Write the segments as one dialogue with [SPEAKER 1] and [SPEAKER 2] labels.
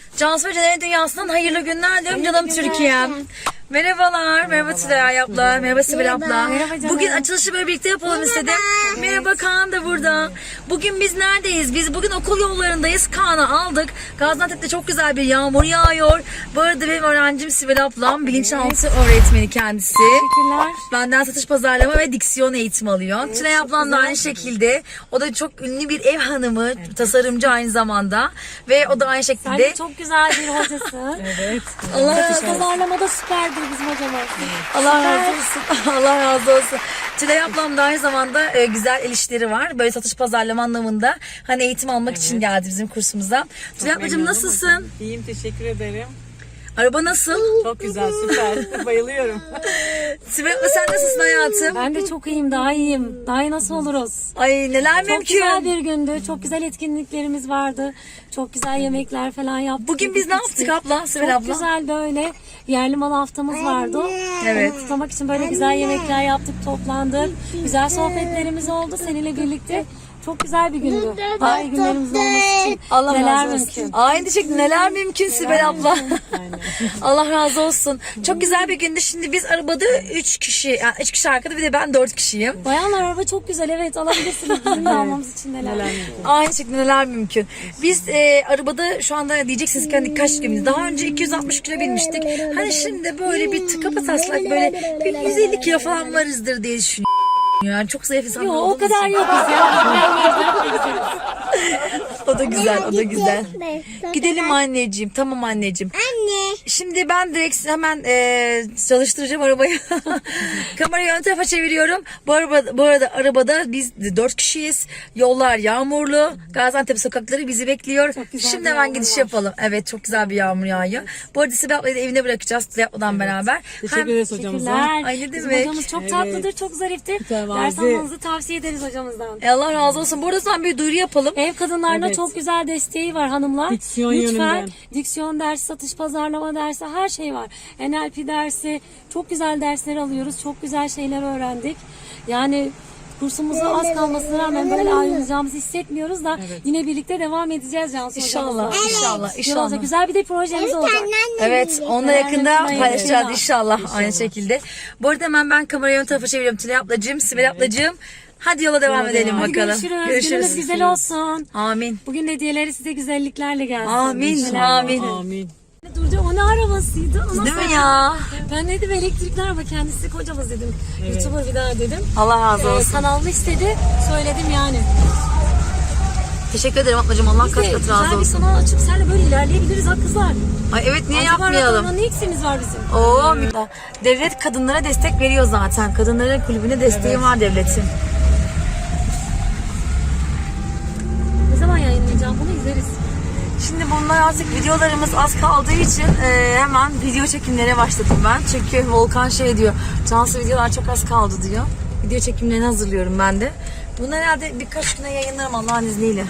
[SPEAKER 1] Cansu ve Caner'in dünyasından hayırlı günler diyorum canım Türkiye'm. Merhabalar, merhaba Tülay abla, merhaba Sibel abla. Bugün açılışı böyle birlikte yapalım istedim. Merhaba, Kaan da burada. Bugün biz neredeyiz? Biz bugün okul yollarındayız. Kaan'ı aldık. Gaziantep'te çok güzel bir yağmur yağıyor. Bu arada benim öğrencim Sibel ablam, bilinçaltı öğretmeni kendisi.
[SPEAKER 2] Teşekkürler.
[SPEAKER 1] Benden satış pazarlama ve diksiyon eğitimi alıyor. Tülay ablam da aynı şekilde. O da çok ünlü bir ev hanımı, tasarımcı aynı zamanda. Ve o da aynı
[SPEAKER 2] Sen
[SPEAKER 1] şekilde.
[SPEAKER 2] de çok güzel bir hocasın.
[SPEAKER 3] Evet.
[SPEAKER 1] Allah razı olsun.
[SPEAKER 2] Pazarlamada süperdir bizim hocamız.
[SPEAKER 1] Allah razı olsun. Allah razı olsun. Tülay ablam da aynı zamanda güzel el işleri var. Böyle satış pazarlama anlamında. Hani eğitim almak için geldi bizim kursumuza. Tülay ablacığım nasılsın?
[SPEAKER 3] İyiyim, teşekkür ederim.
[SPEAKER 1] Araba nasıl?
[SPEAKER 3] Çok güzel, süper. Bayılıyorum.
[SPEAKER 1] Sibel abla sen nasılsın hayatım?
[SPEAKER 2] Ben de çok iyiyim, daha iyiyim. Daha iyi nasıl oluruz?
[SPEAKER 1] Ay neler
[SPEAKER 2] Çok
[SPEAKER 1] mümkün.
[SPEAKER 2] güzel bir gündü. Çok güzel etkinliklerimiz vardı. Çok güzel yemekler falan yaptık.
[SPEAKER 1] Bugün biz ne yaptık abla? Sibel
[SPEAKER 2] Çok
[SPEAKER 1] abla.
[SPEAKER 2] güzel böyle yerli mal haftamız vardı.
[SPEAKER 1] Evet.
[SPEAKER 2] Onu kutlamak için böyle güzel yemekler yaptık, toplandık. Güzel sohbetlerimiz oldu seninle birlikte. Çok güzel bir gündü. Daha iyi günlerimiz olması için
[SPEAKER 1] Allah
[SPEAKER 2] neler
[SPEAKER 1] razı olsun.
[SPEAKER 2] mümkün.
[SPEAKER 1] Aynı şekilde neler mümkün Sibel abla. Allah razı olsun. Çok güzel bir gündü. Şimdi biz arabada 3 kişi, yani 3 kişi arkada bir de ben 4 kişiyim.
[SPEAKER 2] Bayanlar araba çok güzel, evet alabilirsiniz. Bizim de almamız için neler.
[SPEAKER 1] Aynı şekilde neler mümkün. Biz arabada şu anda diyeceksiniz ki hani kaç kilo bindiniz? Daha önce 260 kilo binmiştik. Hani şimdi böyle bir tıka taslak böyle bir 150 kilo falan varızdır diye düşünüyorum. Yani çok zayıf insanlar
[SPEAKER 2] Yok o
[SPEAKER 1] olduğumuz
[SPEAKER 2] kadar
[SPEAKER 1] için.
[SPEAKER 2] yokuz ya.
[SPEAKER 1] O da güzel, o da güzel. Gidelim anneciğim. Tamam anneciğim.
[SPEAKER 4] Anne.
[SPEAKER 1] Şimdi ben direkt hemen çalıştıracağım arabayı. Kamerayı ön tarafa çeviriyorum. Bu arada arabada biz 4 kişiyiz. Yollar yağmurlu. Gaziantep sokakları bizi bekliyor.
[SPEAKER 2] güzel
[SPEAKER 1] Şimdi
[SPEAKER 2] bir
[SPEAKER 1] hemen
[SPEAKER 2] yağmur
[SPEAKER 1] gidiş
[SPEAKER 2] var.
[SPEAKER 1] yapalım. Evet, çok güzel bir yağmur yağıyor. Bu arada Sibel ablayı da evine bırakacağız. Tülay abladan beraber.
[SPEAKER 3] Teşekkür ederiz hocamıza.
[SPEAKER 2] Teşekkürler.
[SPEAKER 1] Ay, ne
[SPEAKER 2] Bizim
[SPEAKER 1] demek.
[SPEAKER 2] hocamız çok tatlıdır, çok zariftir.
[SPEAKER 3] Mütevazi.
[SPEAKER 2] Ders almanızı tavsiye ederiz hocamızdan.
[SPEAKER 1] Allah razı olsun. Bu arada sen bir duyuru yapalım.
[SPEAKER 2] Ev kadınlarına
[SPEAKER 3] Evet.
[SPEAKER 2] çok güzel desteği var hanımlar.
[SPEAKER 3] Diksiyon
[SPEAKER 2] Lütfen
[SPEAKER 3] yönünden.
[SPEAKER 2] diksiyon dersi, satış pazarlama dersi, her şey var. NLP dersi, çok güzel dersler alıyoruz. Çok güzel şeyler öğrendik. Yani kursumuza az kalmasına rağmen böyle ayrılacağımızı hissetmiyoruz da yine birlikte devam edeceğiz Cansu
[SPEAKER 1] İnşallah,
[SPEAKER 2] hocamızla.
[SPEAKER 1] inşallah,
[SPEAKER 2] Güzel
[SPEAKER 1] inşallah.
[SPEAKER 2] olacak. Güzel bir de projemiz olacak.
[SPEAKER 1] Evet, onunla yakında
[SPEAKER 2] yakında
[SPEAKER 1] paylaşacağız
[SPEAKER 2] yakında.
[SPEAKER 1] inşallah aynı şekilde. Bu arada hemen ben kamerayı ön tarafa çeviriyorum. Tülay ablacığım, Sibel ablacığım. Hadi yola devam edelim
[SPEAKER 2] Hadi
[SPEAKER 1] bakalım.
[SPEAKER 2] görüşürüz. Gününüz güzel olsun.
[SPEAKER 1] Amin.
[SPEAKER 2] Bugün hediyeleri size güzelliklerle gelsin.
[SPEAKER 1] Amin,
[SPEAKER 2] İnşallah.
[SPEAKER 1] amin.
[SPEAKER 3] Amin.
[SPEAKER 2] Durca o ne arabasıydı? O
[SPEAKER 1] Değil
[SPEAKER 2] nasıl-
[SPEAKER 1] mi ya?
[SPEAKER 2] Ben dedim elektrikli araba, kendisi kocamız dedim. YouTuber bir daha dedim.
[SPEAKER 1] Allah razı olsun.
[SPEAKER 2] Kanalını istedi, söyledim yani.
[SPEAKER 1] Teşekkür ederim ablacığım. Allah kaç kat razı
[SPEAKER 2] Güzel bir
[SPEAKER 1] olsun.
[SPEAKER 2] kanal açıp seninle böyle ilerleyebiliriz ha kızlar.
[SPEAKER 1] Ay evet, niye
[SPEAKER 2] Acaba
[SPEAKER 1] yapmayalım?
[SPEAKER 2] rakamda ne eksiğimiz var bizim?
[SPEAKER 1] Oo, devlet kadınlara destek veriyor zaten. Kadınların kulübüne desteği var devletin.
[SPEAKER 2] Ne zaman yayınlayacağım bunu izleriz.
[SPEAKER 1] Şimdi bunlar artık videolarımız az kaldığı için hemen video çekimlere başladım ben. Çünkü Volkan şey diyor, Cansu videolar çok az kaldı diyor. Video çekimlerini hazırlıyorum ben de. Bunları herhalde birkaç güne yayınlarım Allah'ın izniyle.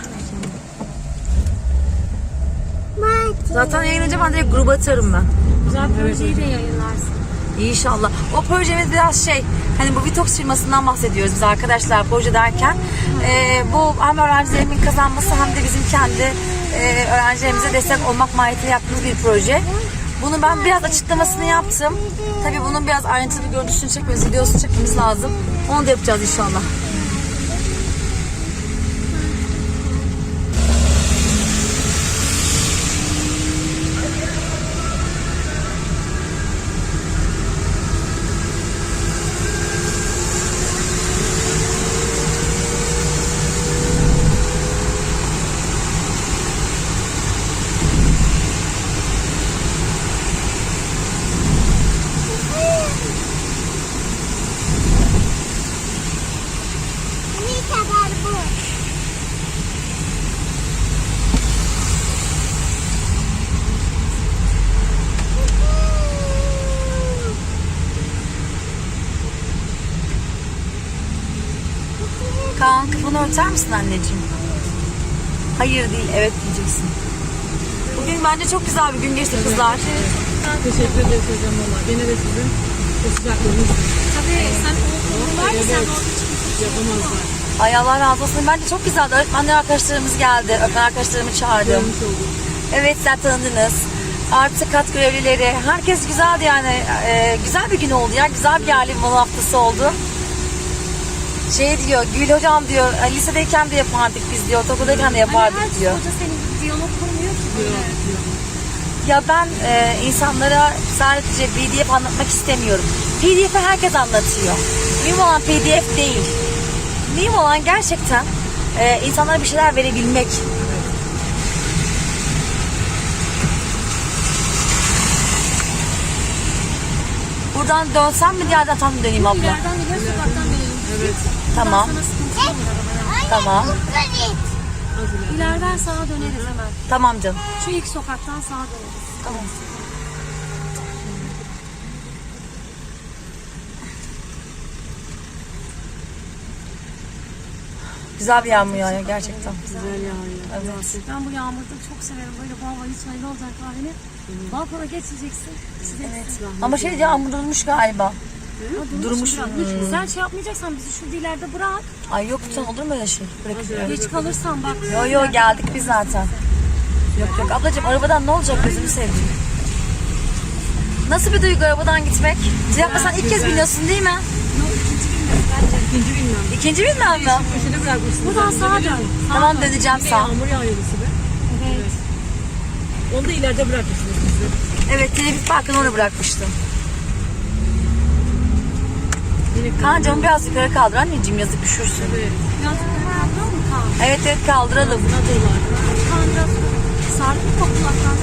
[SPEAKER 1] Zaten yayınlayınca ben direkt gruba atarım ben.
[SPEAKER 2] Güzel projeyi de yayınlarsın.
[SPEAKER 1] İnşallah. O projemiz biraz şey, hani bu Vitox firmasından bahsediyoruz biz arkadaşlar proje derken. Bu hem öğrencilerimin kazanması hem de bizim kendi öğrencilerimize destek olmak mahiyetiyle yaptığımız bir proje. Bunu ben biraz açıklamasını yaptım. Tabii bunun biraz ayrıntılı bir görüntüsünü çekmemiz, videosunu çekmemiz lazım. Onu da yapacağız inşallah.
[SPEAKER 4] Ne kadar bu?
[SPEAKER 1] Kaan, kafanı örter misin anneciğim? Hayır değil, evet diyeceksin. Bugün bence çok güzel bir gün geçti kızlar.
[SPEAKER 3] Teşekkür ederiz hocam valla. Gene de sizin o sıcaklığınız
[SPEAKER 2] Tabii sen okulun var ya sen
[SPEAKER 3] yapamazlar.
[SPEAKER 1] Ay Allah razı olsun. Bence çok güzeldi. Öğretmenler arkadaşlarımız geldi. Öğretmen arkadaşlarımı çağırdım.
[SPEAKER 3] Görmüş olduk.
[SPEAKER 1] Evet, zaten tanıdınız. Artı kat görevlileri. Herkes güzeldi yani. Güzel bir gün oldu ya. Güzel bir yerli malı haftası oldu. Şey diyor, Gül hocam diyor, lisedeyken de yapardık biz diyor, ortaokuldayken de yapardık
[SPEAKER 2] Hani
[SPEAKER 1] diyor.
[SPEAKER 2] her hoca senin gibi diyalog kurmuyor ki böyle.
[SPEAKER 1] Ya ben insanlara sadece PDF anlatmak istemiyorum. PDF'i herkes anlatıyor. Mühim olan PDF değil. Mühim olan gerçekten insanlara bir şeyler verebilmek. Buradan dönsem mi diğer taraftan mı döneyim abla?
[SPEAKER 2] İleriden gidiyor, sokaktan dönelim.
[SPEAKER 3] Evet.
[SPEAKER 1] Tamam.
[SPEAKER 2] Sana sıkıntı olmuyor arabaya.
[SPEAKER 1] Tamam.
[SPEAKER 2] İleriden sağa döneriz hemen.
[SPEAKER 1] Tamam canım.
[SPEAKER 2] Şu ilk sokaktan sağa döneriz.
[SPEAKER 1] Tamam. Güzel bir yağmur yağıyor gerçekten.
[SPEAKER 3] Güzel yağıyor.
[SPEAKER 1] Evet.
[SPEAKER 2] Ben bu yağmurda çok severim. Böyle bu hava hiç öyle olacak halini. Balkona geçeceksin. Evet.
[SPEAKER 1] Ama şey yağmur durmuş galiba. Durmuş.
[SPEAKER 2] Sen şey yapmayacaksan bizi şurada ileride bırak.
[SPEAKER 1] Ay yok lütfen, olur mu öyle şey? Bırakıyorum.
[SPEAKER 2] Geç kalırsan bak.
[SPEAKER 1] Yo yo, geldik biz zaten. Yok yok ablacığım, arabadan ne olacak, gözümü seveyim. Nasıl bir duygu arabadan gitmek? Cevapla, sen ilk kez biniyorsun değil mi?
[SPEAKER 3] İkinci bilmem.
[SPEAKER 1] İkinci bilmem mi?
[SPEAKER 3] Köşede bırakmışsınız.
[SPEAKER 2] Buradan sağa dön.
[SPEAKER 1] Tamam, döneceğim sağ.
[SPEAKER 3] Yağmur yağıyor size.
[SPEAKER 2] Evet.
[SPEAKER 3] Onu da ileride bırakmışsınız bizi.
[SPEAKER 1] Evet, televizyon parkını oraya bırakmıştım.
[SPEAKER 3] Yine
[SPEAKER 1] Kaan camı biraz yukarı kaldır anneciğim, yazık üşürsün.
[SPEAKER 3] Evet.
[SPEAKER 2] Biraz kaldıralım mı Kaan?
[SPEAKER 1] Evet evet, kaldıralım.
[SPEAKER 3] Nadırlar.
[SPEAKER 2] Kaan biraz sardık mı kulaklarını?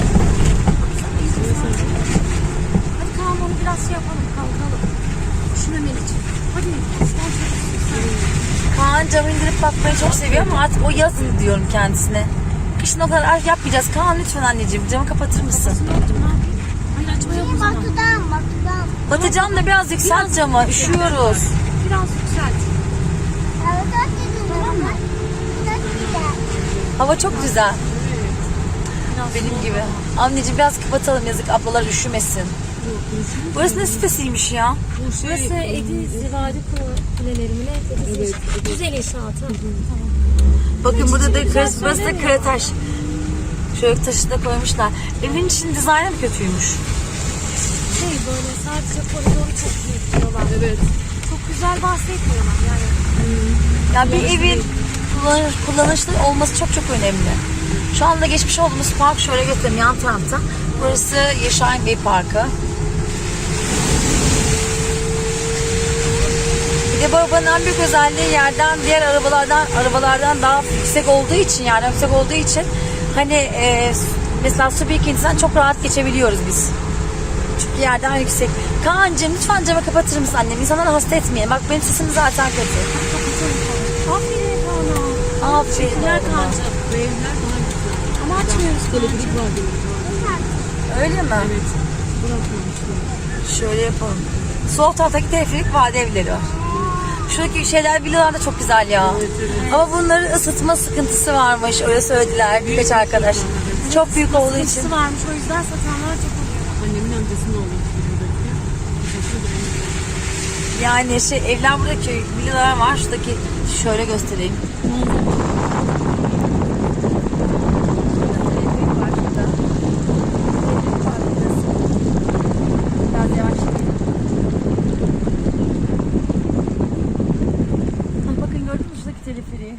[SPEAKER 2] Hadi Kaan onu biraz şey yapalım, kalkalım. Üşümemen için. Hadi. Sen çabuk.
[SPEAKER 1] Kaan camı indirip bakmayı çok seviyor ama artık o yazın diyorum kendisine. Kışın o kadar yapmayacağız. Kaan lütfen anneciğim, camı kapatır mısın?
[SPEAKER 2] Ne oldu, ne yapayım? Hayır, açma yok o zaman.
[SPEAKER 4] Batıdan.
[SPEAKER 1] Batıcan da biraz yükselt camı, üşüyoruz.
[SPEAKER 2] Biraz yükselt.
[SPEAKER 4] Tamam mı?
[SPEAKER 1] Hava çok güzel. Benim gibi. Anneciğim biraz kapatalım, yazık ablalar üşümesin. Burası ne sitesiymiş ya?
[SPEAKER 3] Bu şey.
[SPEAKER 2] Burası Ediz Zivadi Kuleleri mi ne? Evet. Güzel inşaatı.
[SPEAKER 1] Bakın burada da burası da Karataş. Şöyle taşı da koymuşlar. Evin için dizaynı mı kötüymüş?
[SPEAKER 2] Şey böyle sadece koridoru çok büyük diyorlar.
[SPEAKER 3] Evet.
[SPEAKER 2] Çok güzel bahsetmiyorlar yani.
[SPEAKER 1] Ya bir evin kullanışlı olması çok çok önemli. Şu anda geçmiş olduğumuz park şöyle göstereyim, yan tarafta. Burası Yaşayan Bey Parkı. Bir de bu arabanın en büyük özelliği yerden diğer arabalardan daha yüksek olduğu için, yani yüksek olduğu için hani mesela su birikintisinden çok rahat geçebiliyoruz biz. Çünkü yerden yüksek. Kaan'cığım lütfen camı kapatır mısın annem? İnsanları hasta etmeyin. Bak benim sesim zaten kötü.
[SPEAKER 2] Aferin Kaan'a.
[SPEAKER 1] Aferin
[SPEAKER 2] Teşekkürler
[SPEAKER 1] oğluma.
[SPEAKER 2] Kaan'cığım.
[SPEAKER 3] Bu evler daha güzel.
[SPEAKER 2] Ama açmıyoruz
[SPEAKER 3] Elektrik
[SPEAKER 2] Kaan'cığım.
[SPEAKER 3] var diyorlar.
[SPEAKER 1] Öyle mi?
[SPEAKER 3] Evet. Bırakmamışlar.
[SPEAKER 1] Şöyle yapalım. Sol taraftaki teleferik vade evleri var. Şuradaki şeyler, villalar da çok güzel ya. Ama bunların ısıtma sıkıntısı varmış. Öyle söylediler birkaç arkadaş. Çok büyük olduğu için.
[SPEAKER 2] Sıkıntısı varmış, o yüzden satanlar çok oluyor.
[SPEAKER 3] Annemin amcasının oğlu buradaki.
[SPEAKER 1] Yani evler, buradaki villalar var. Şuradaki şöyle göstereyim. Biraz yavaş. Bakın gördün mü şuradaki teleferiği?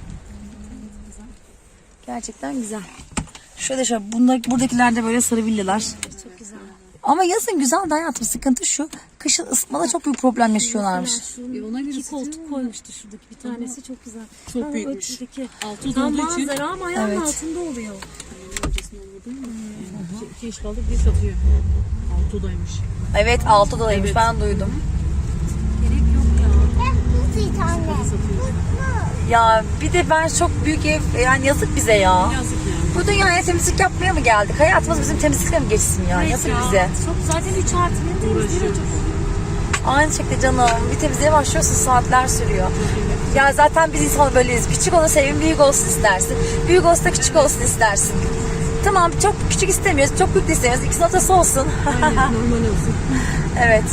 [SPEAKER 1] Gerçekten güzel. Şöyle buradakiler de böyle sarı villalar.
[SPEAKER 2] Çok güzel.
[SPEAKER 1] Ama yazın güzel de hayatım, sıkıntı şu. Kışın ısıtmada çok büyük problem yaşıyorlarmış.
[SPEAKER 3] Ona göre
[SPEAKER 2] İki koltuk koymuştu şuradaki bir tanesi, çok güzel.
[SPEAKER 3] Çok
[SPEAKER 2] Ha,
[SPEAKER 3] büyükmüş.
[SPEAKER 2] öteki.
[SPEAKER 3] Altı
[SPEAKER 2] Tam
[SPEAKER 3] olduğu için.
[SPEAKER 2] manzara ama ayağın
[SPEAKER 1] Evet.
[SPEAKER 2] altında oluyor.
[SPEAKER 3] Amcasının oğlu değil mi? İki iş kaldık, bir satıyor. Altı odaymış.
[SPEAKER 1] Evet, 6 dolaymış,
[SPEAKER 3] Evet.
[SPEAKER 1] ben duydum.
[SPEAKER 2] Gerek yok ya.
[SPEAKER 4] Hızlı tane.
[SPEAKER 3] Satıyor.
[SPEAKER 1] Ya bir de ben çok büyük ev, yani yazık bize ya.
[SPEAKER 3] Yazık yani.
[SPEAKER 1] Bu dünyaya temizlik yapmaya mı geldik? Hayatımız bizim temizlikle mi geçsin ya?
[SPEAKER 2] Evet
[SPEAKER 1] Yazık
[SPEAKER 2] ya.
[SPEAKER 1] bize.
[SPEAKER 2] Çok, zaten 3 artı temizliği de
[SPEAKER 3] Uğraşıyoruz.
[SPEAKER 2] çok.
[SPEAKER 1] Aynı şekilde canım. Bir temizliğe başlıyorsun, saatler sürüyor. Ya zaten biz insan böyleyiz. Küçük olsa evin büyük olsun istersin. Büyük olsa da küçük olsun istersin. Tamam, çok küçük istemiyoruz, çok büyük de istemiyoruz. İkisinin ortası olsun.
[SPEAKER 3] Aynen, normal olsun.
[SPEAKER 1] Evet.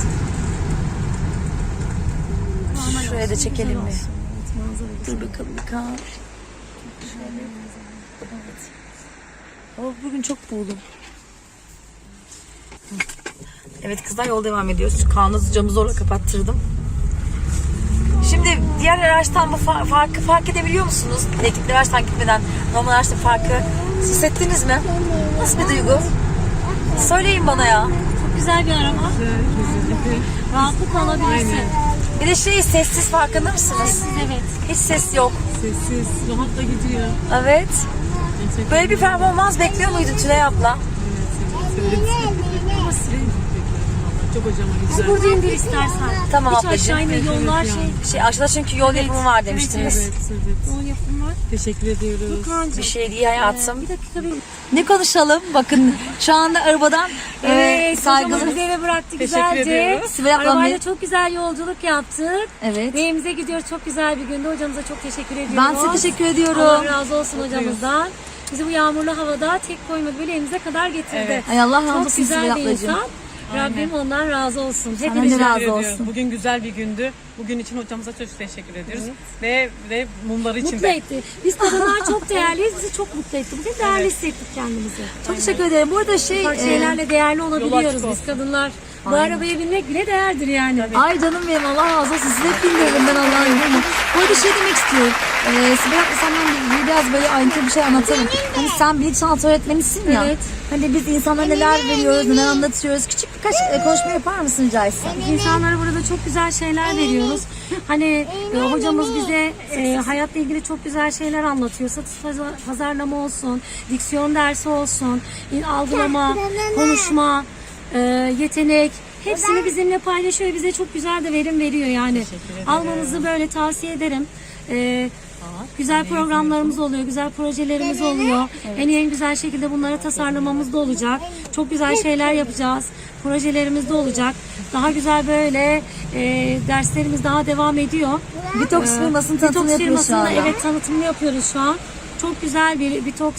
[SPEAKER 2] Normal
[SPEAKER 1] Şuraya da
[SPEAKER 2] olsun,
[SPEAKER 1] çekelim
[SPEAKER 2] güzel
[SPEAKER 1] mi?
[SPEAKER 2] olsun. Evet, manzara güzel.
[SPEAKER 1] Dur bakalım bir kan. Şöyle. Evet. Ama bugün çok buğulum. Evet kızlar, yol devam ediyoruz. Kaan'ı camı zorla kapattırdım. Şimdi diğer araçtan bu farkı fark edebiliyor musunuz? Elektrikli araçtan gitmeden normal araçta farkı hissettiniz mi? Nasıl bir duygu? Söyleyin bana ya.
[SPEAKER 2] Çok güzel bir araba. Rahatlıkla alabilirsin.
[SPEAKER 1] Bir de sessiz, farkında mısınız?
[SPEAKER 2] Evet.
[SPEAKER 1] Hiç ses yok.
[SPEAKER 3] Sessiz, rahatla gidiyor.
[SPEAKER 1] Evet.
[SPEAKER 3] Gerçekten.
[SPEAKER 1] Böyle bir performans bekliyor muydun Tülay abla?
[SPEAKER 3] Ama size çok hocama
[SPEAKER 2] Biz
[SPEAKER 3] güzel.
[SPEAKER 2] burada indir istersen.
[SPEAKER 1] Tamam
[SPEAKER 2] Hiç
[SPEAKER 1] ablacığım.
[SPEAKER 2] aşağı inme, yollar
[SPEAKER 1] Aşağıda çünkü yol yapımı var demiştiniz.
[SPEAKER 3] Evet, evet.
[SPEAKER 2] Yol yapımı var.
[SPEAKER 3] Teşekkür ediyoruz.
[SPEAKER 1] Bir şey değil hayatım.
[SPEAKER 2] Bir dakika bir.
[SPEAKER 1] Ne konuşalım? Bakın şu anda arabadan
[SPEAKER 2] Evet,
[SPEAKER 1] saygılı.
[SPEAKER 2] hocamız bizi eve bıraktı
[SPEAKER 3] Teşekkür
[SPEAKER 2] güzelce.
[SPEAKER 3] ediyoruz.
[SPEAKER 1] Sibel ablam
[SPEAKER 2] Arabayla
[SPEAKER 1] bir-
[SPEAKER 2] çok güzel yolculuk yaptık.
[SPEAKER 1] Evet.
[SPEAKER 2] Ve evimize gidiyoruz. Çok güzel bir gündü. Hocamıza çok teşekkür ediyoruz.
[SPEAKER 1] Ben size teşekkür ediyorum.
[SPEAKER 2] Allah razı olsun hocamızdan. Bizi bu yağmurlu havada tek koymadı. Böyle evimize kadar getirdi.
[SPEAKER 3] Evet.
[SPEAKER 1] Ay Allah razı
[SPEAKER 2] Çok
[SPEAKER 1] olsun
[SPEAKER 2] güzel
[SPEAKER 1] Sibel
[SPEAKER 2] bir
[SPEAKER 1] ablacığım.
[SPEAKER 2] insan. Rabbim ondan razı olsun.
[SPEAKER 1] Sana
[SPEAKER 2] Hepimiz
[SPEAKER 1] ne razı
[SPEAKER 3] Teşekkür ediyoruz.
[SPEAKER 1] olsun.
[SPEAKER 3] Bugün güzel bir gündü. Bugün için hocamıza çok teşekkür ediyoruz. Ve mumları için
[SPEAKER 2] mutlu
[SPEAKER 3] de.
[SPEAKER 2] etti. Biz kadınlar çok değerliyiz. Bizi çok mutlu etti. Bugün değerli hissettik kendimizi.
[SPEAKER 1] Çok teşekkür ederim. Bu arada
[SPEAKER 2] Ufak şeylerle değerli olabiliyoruz
[SPEAKER 3] açık
[SPEAKER 2] biz
[SPEAKER 3] olsun.
[SPEAKER 2] kadınlar. Bu arabaya binmek bile değerdir yani.
[SPEAKER 1] Ay canım benim, Allah razı olsun. Size hep bilmiyorum ben Allah'ın yolunu. Bu arada demek istiyorum. Sibel abla senden biraz böyle ayrıntılı bir şey anlatalım. Hani sen bilinçaltı öğretmenisin ya.
[SPEAKER 2] Evet.
[SPEAKER 1] Hani biz insanlara neler veriyoruz, neler anlatıyoruz. Küçük birkaç konuşma yapar mısın rica etsem?
[SPEAKER 2] İnsanlara burada çok güzel şeyler veriyoruz. Hani hocamız bize hayatla ilgili çok güzel şeyler anlatıyor. Satış pazarlama olsun, diksiyon dersi olsun, algılama, konuşma, yetenek. Hepsini bizimle paylaşıyor. Bize çok güzel de verim veriyor yani. Almanızı böyle tavsiye ederim. Güzel programlarımız oluyor, güzel projelerimiz oluyor. En güzel şekilde bunları tasarlamamız da olacak. Çok güzel şeyler yapacağız. Projelerimiz de olacak. Daha güzel böyle derslerimiz daha devam ediyor.
[SPEAKER 1] Detox firmasının tanıtımını
[SPEAKER 2] Detox
[SPEAKER 1] yapıyoruz şu anda.
[SPEAKER 2] firmasında evet tanıtımını yapıyoruz şu an. Çok güzel bir detoks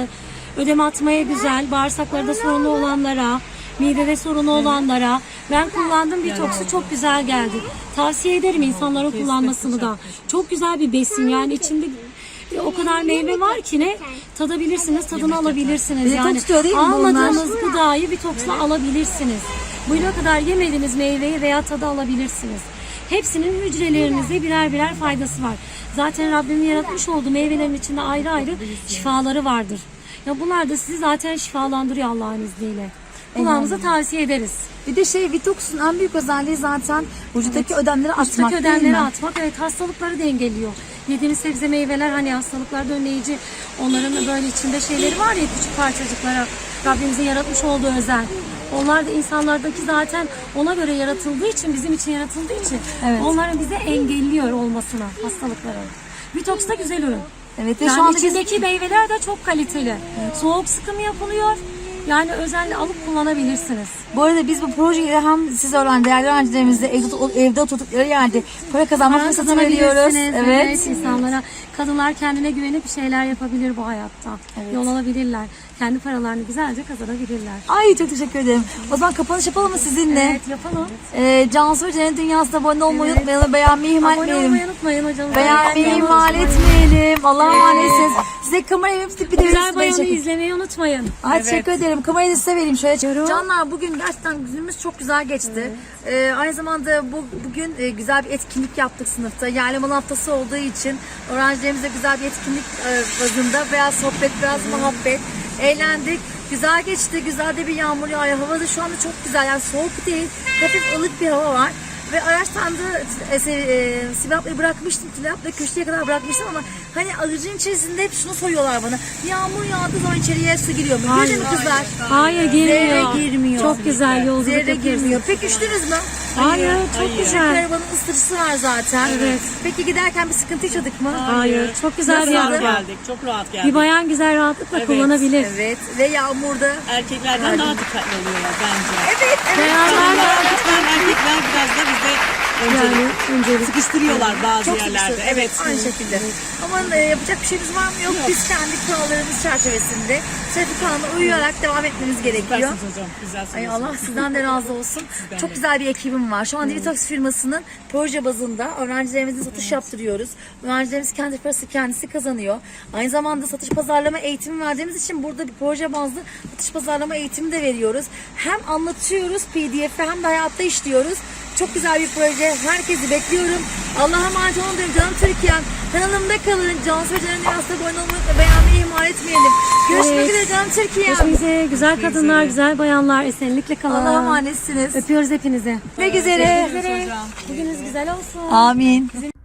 [SPEAKER 2] ödeme atmaya güzel. Bağırsaklarda sorunu olanlara, midede sorunu olanlara. Ben kullandım, detoksu çok güzel geldi. Tavsiye ederim insanların kullanmasını da. Çok güzel bir besin yani içinde o kadar meyve var ki ne tadabilirsiniz, tadını alabilirsiniz. Yani
[SPEAKER 1] tutuyor değil mi
[SPEAKER 2] almadığınız gıdayı detoksla alabilirsiniz. Bugüne kadar yemediğiniz meyveyi veya tadı alabilirsiniz. Hepsinin hücrelerinize birer birer faydası var. Zaten Rabbimin yaratmış olduğu meyvelerin içinde ayrı ayrı şifaları vardır. Ya bunlar da sizi zaten şifalandırıyor Allah'ın izniyle. Kulağımıza tavsiye ederiz.
[SPEAKER 1] Bir de Vitox'un en büyük özelliği zaten vücuttaki ödemleri atmak
[SPEAKER 2] Vücuttaki
[SPEAKER 1] değil
[SPEAKER 2] ödemleri
[SPEAKER 1] mi?
[SPEAKER 2] atmak, evet, hastalıkları dengeliyor. Yediğimiz sebze meyveler hani hastalıklarda önleyici, onların da böyle içinde şeyleri var ya, küçük parçacıklara Rabbimizin yaratmış olduğu özel. Onlar da insanlardaki zaten ona göre yaratıldığı için, bizim için yaratıldığı için
[SPEAKER 1] Evet.
[SPEAKER 2] onların bize engelliyor olmasına, hastalıkların. Vitox da güzel ürün.
[SPEAKER 1] Evet ve
[SPEAKER 2] Yani
[SPEAKER 1] şu anda biz
[SPEAKER 2] içindeki meyveler de çok kaliteli. Soğuk sıkım yapılıyor. Yani özenle alıp kullanabilirsiniz.
[SPEAKER 1] bu arada biz bu projeyle hem siz değerli öğrencilerimizle evde oturdukları yerde para kazanma
[SPEAKER 2] Para
[SPEAKER 1] fırsatı veriyoruz.
[SPEAKER 2] kazanabilirsiniz.
[SPEAKER 1] Evet.
[SPEAKER 2] insanlara. Kadınlar kendine güvenip bir şeyler yapabilir bu hayatta. Yol alabilirler. Kendi paralarını güzelce kazanabilirler.
[SPEAKER 1] Ay çok teşekkür ederim. O zaman kapanış yapalım mı sizinle?
[SPEAKER 2] Evet, yapalım.
[SPEAKER 1] Cansu ve Cennet Dünyası'na abone olmayı unutmayalım. Beğenmeyi ihmal
[SPEAKER 2] Abone
[SPEAKER 1] etmeyelim.
[SPEAKER 2] olmayı unutmayın hocam.
[SPEAKER 1] Beğenmeyi ihmal etmeyelim. Allah'a emanetsiniz. Size kamerayı bir de
[SPEAKER 2] Güzel bayonu izlemeyi unutmayın.
[SPEAKER 1] Ay teşekkür ederim. Kamerayı da size vereyim şöyle. Canlar bugün gerçekten günümüz çok güzel geçti. Aynı zamanda bugün güzel bir etkinlik yaptık sınıfta. Yerleman haftası olduğu için öğrencilerimizle güzel bir etkinlik bazında biraz sohbet, biraz muhabbet, eğlendik. Güzel geçti. Güzel de bir yağmur yağıyor. Hava da şu anda çok güzel. Yani soğuk değil. Hafif ılık bir hava var. Ve araçtan da Sibel ablayı bırakmıştım. Tülay ablayı köşeye kadar bırakmıştım ama hani aracın içerisinde hep şunu soruyorlar bana. Yağmur yağdığı zaman içeriye su giriyor mu? Giriyor mu kızlar?
[SPEAKER 2] Hayır, girmiyor.
[SPEAKER 1] Zerre girmiyor.
[SPEAKER 2] Çok güzel yolculuk
[SPEAKER 1] Zerre
[SPEAKER 2] yapıyorsunuz.
[SPEAKER 1] girmiyor. Peki üşüdünüz mü?
[SPEAKER 2] Hayır, çok
[SPEAKER 1] Çünkü
[SPEAKER 2] güzel.
[SPEAKER 1] arabanın ısıtıcısı var zaten.
[SPEAKER 2] Evet.
[SPEAKER 1] Peki giderken bir sıkıntı yaşadık mı?
[SPEAKER 2] Hayır, çok güzel bir
[SPEAKER 3] Rahat
[SPEAKER 2] araba.
[SPEAKER 3] geldik. Çok rahat geldik.
[SPEAKER 2] Bir bayan güzel rahatlıkla kullanabilir.
[SPEAKER 1] Evet. Ve yağmurda.
[SPEAKER 3] Erkeklerden daha dikkatli oluyorlar bence.
[SPEAKER 1] Evet.
[SPEAKER 2] Bayanlar da
[SPEAKER 3] Lütfen erkekler biraz da öncelik.
[SPEAKER 2] öncelik.
[SPEAKER 3] Sıkıştırıyorlar bazı
[SPEAKER 1] Çok
[SPEAKER 3] yerlerde.
[SPEAKER 1] sıkıştı.
[SPEAKER 3] Evet.
[SPEAKER 1] Aynı şekilde. Ama yapacak bir şeyimiz var mı? Yok. Biz kendi kurallarımız çerçevesinde trafik kanununa uyarak devam etmemiz gerekiyor.
[SPEAKER 3] Süpersiniz hocam. Güzel
[SPEAKER 1] Ay
[SPEAKER 3] söylüyorsunuz.
[SPEAKER 1] Allah sizden de razı olsun. Çok
[SPEAKER 3] de.
[SPEAKER 1] güzel bir ekibim var. Şu an Divitox firmasının proje bazında öğrencilerimizin satış yaptırıyoruz. Öğrencilerimiz kendi parası kendisi kazanıyor. Aynı zamanda satış pazarlama eğitimi verdiğimiz için burada bir proje bazlı satış pazarlama eğitimi de veriyoruz. Hem anlatıyoruz PDF'e hem de hayatta işliyoruz. Çok güzel bir proje. Herkesi bekliyorum. Allah'a emanet olun diyorum. Canım Türkiye'm. Kanalımda kalın. Cansu ve Can'ın Üniversitesi abone olmayı ve beğenmeyi ihmal etmeyelim. Görüşmek
[SPEAKER 2] Evet.
[SPEAKER 1] üzere canım Türkiye'm.
[SPEAKER 2] Görüşmek üzere. Güzel kadınlar, güzel bayanlar. Esenlikle kalın.
[SPEAKER 1] Allah'a emanetsiniz.
[SPEAKER 2] Öpüyoruz hepinizi.
[SPEAKER 1] Görüşmek üzere.
[SPEAKER 2] Bugününüz güzel olsun.
[SPEAKER 1] Amin.